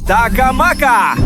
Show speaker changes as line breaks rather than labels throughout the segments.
Така-мака!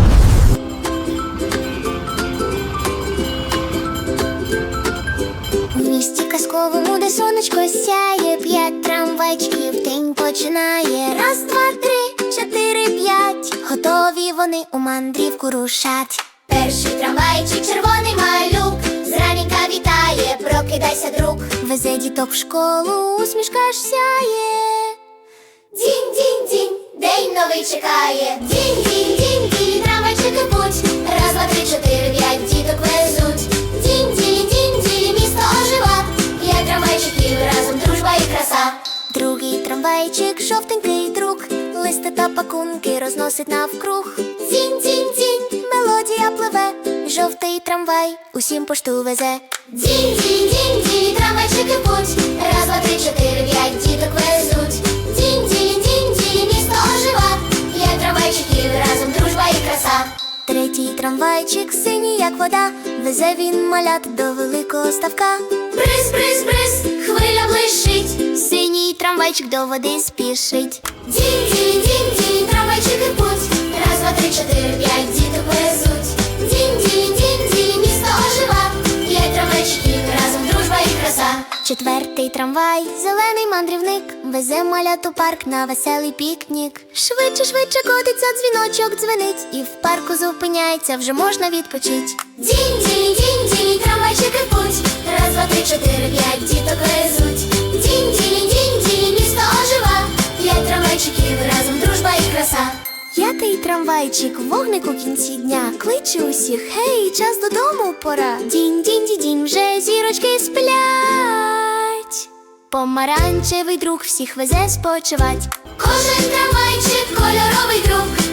У місті казковому, де сонечко сяє, 5 трамвайчиків день починає. Раз, два, три, 4, 5. Готові вони у мандрівку рушать. Перший трамвайчик, червоний малюк, зраненька вітає, прокидайся, друг. Везе діток в школу, усмішка ж сяє. Дінь-дінь-дінь, день новий чекає. Дінь-дінь-дінь-дінь, трамвайчики путь. Раз, два, три, 4, 5, діток везуть. Дінь-дінь-дінь-дінь, місто ожива. 5 трамвайчиків, разом дружба і краса. Другий трамвайчик, жовтенький друг, листи та пакунки розносить навкруг. Дзінь-дзінь-дзінь, мелодія пливе, жовтий трамвай усім пошту везе. Дзінь-дзінь-дзінь-дзінь, трамвайчики путь. Раз, два, три, 4, 5, діток везуть. Дзінь-дзінь-дзінь-дзінь, місто ожива. 5 трамвайчиків, разом дружба і краса. Третій трамвайчик, синій як вода, везе він малят до великого ставка. Бриз, бриз, бриз, хвиля блищить, синій трамвайчик до води спішить. Дінь-дінь-дінь-дінь, трамвайчики путь. Раз, два, три, 4, 5, діток везуть. Дінь-дінь-дінь-дінь, місто ожива. 5 трамвайчиків, разом дружба і краса. Четвертий трамвай, зелений мандрівник, везе малят у парк на веселий пікнік. Швидше, швидше котиться, дзвіночок дзвенить, і в парку зупиняється, вже можна відпочить. Дінь-дінь-дінь-дінь, трамвайчики путь. Раз, два, три, 4, 5, діток везуть. Дінь-дінь-дінь-дінь, місто ожива. 5 трамвайчиків, разом дружба і краса. П'ятий трамвайчик, вогник у кінці дня, кличе усіх: гей, час додому пора. Дінь-дінь-дінь, вже зірочки сплять. Помаранчевий друг всіх везе спочивать. Кожен трамвайчик кольоровий друг.